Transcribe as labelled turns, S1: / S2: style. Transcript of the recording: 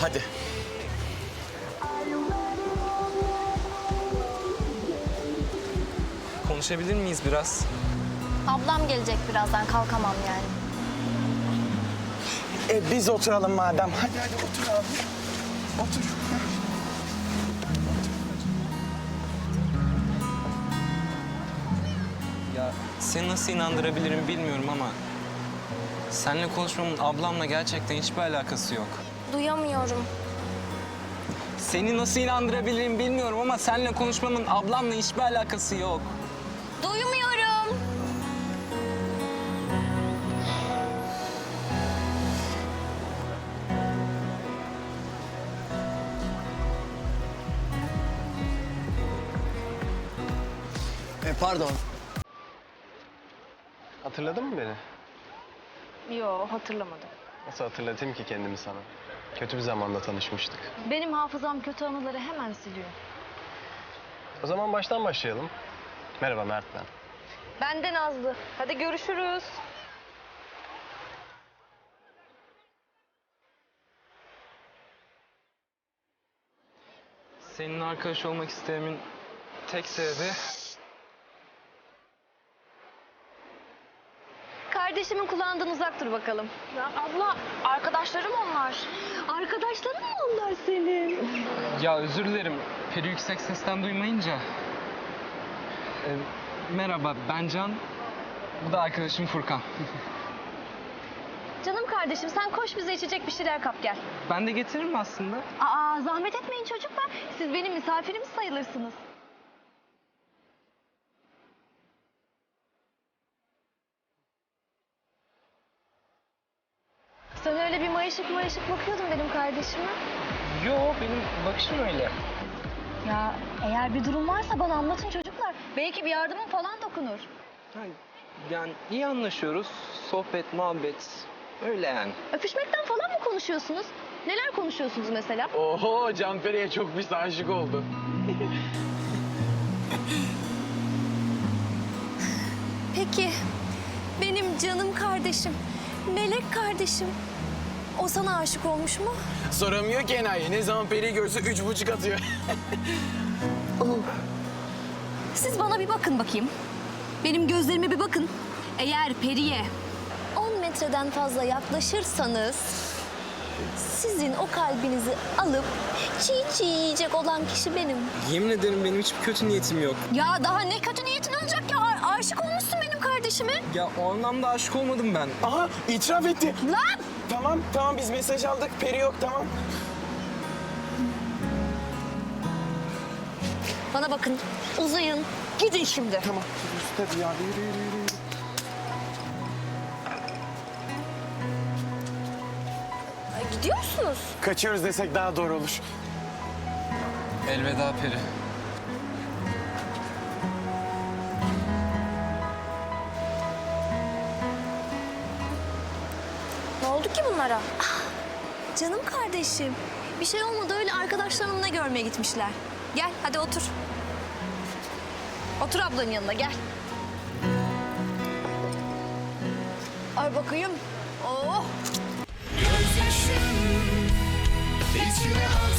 S1: Hadi.
S2: Konuşabilir miyiz biraz?
S3: Ablam gelecek birazdan, kalkamam yani.
S1: Biz oturalım madem. Hadi otur abi. Otur.
S2: Ya seni nasıl inandırabilirim bilmiyorum ama... ...seninle konuşmamın ablamla gerçekten hiçbir alakası yok.
S3: Duyamıyorum.
S2: Seni nasıl inandırabilirim bilmiyorum ama seninle konuşmamın ablamla hiçbir alakası yok.
S3: Duymuyorum.
S4: Pardon. Hatırladın mı beni?
S5: Yo, hatırlamadım.
S4: Nasıl hatırlatayım ki kendimi sana? Kötü bir zamanda tanışmıştık.
S5: Benim hafızam kötü anıları hemen siliyor.
S4: O zaman baştan başlayalım. Merhaba Mert ben.
S5: Ben de Nazlı. Hadi görüşürüz.
S2: Seninle arkadaş olmak istememin tek sebebi...
S5: Kardeşimin kulağından uzak dur bakalım. Ya abla, arkadaşlarım onlar. Arkadaşların mı onlar senin?
S2: Ya özür dilerim. Peri yüksek sesten duymayınca... merhaba, ben Can. Bu da arkadaşım Furkan.
S5: Canım kardeşim, sen koş bize içecek bir şeyler kap gel.
S2: Ben de getiririm aslında.
S5: Aa, zahmet etmeyin çocuklar. Siz benim misafirimiz sayılırsınız. Sen öyle bir mayışık bakıyordun benim kardeşime.
S2: Yo, benim bakışım öyle.
S5: Ya eğer bir durum varsa bana anlatın çocuklar. Belki bir yardımım falan dokunur.
S2: Yani iyi anlaşıyoruz. Sohbet, muhabbet. Öyle yani.
S5: Öpüşmekten falan mı konuşuyorsunuz? Neler konuşuyorsunuz mesela?
S1: Oho, Canferi'ye çok pis aşık oldu.
S3: Peki, benim canım kardeşim, melek kardeşim. O sana aşık olmuş mu?
S1: Soramıyor ki enayi. Ne zaman Peri'yi görse 3,5 atıyor.
S3: Siz bana bir bakın bakayım. Benim gözlerime bir bakın. Eğer Peri'ye 10 metreden fazla yaklaşırsanız... ...sizin o kalbinizi alıp çiğ çiğ yiyecek olan kişi benim.
S2: Yemin ederim benim hiçbir kötü niyetim yok.
S3: Ya daha ne kötü niyetin olacak ya? Aşık olmuşsun benim kardeşime.
S2: Ya o anlamda aşık olmadım ben.
S1: Aha, itiraf etti.
S3: Lan!
S1: Tamam biz mesaj aldık. Peri yok, tamam.
S3: Bana bakın, uzayın. Gidin şimdi.
S1: Tamam. Hadi ya, yürü.
S3: Gidiyor musunuz?
S1: Kaçıyoruz desek daha doğru olur.
S2: Elveda Peri.
S3: Ne oldu ki bunlara? Canım kardeşim. Bir şey olmadı, öyle arkadaşlarımla görmeye gitmişler. Gel hadi otur. Otur ablanın yanına gel. Ay bakayım. Oh.
S6: Gözyaşım içime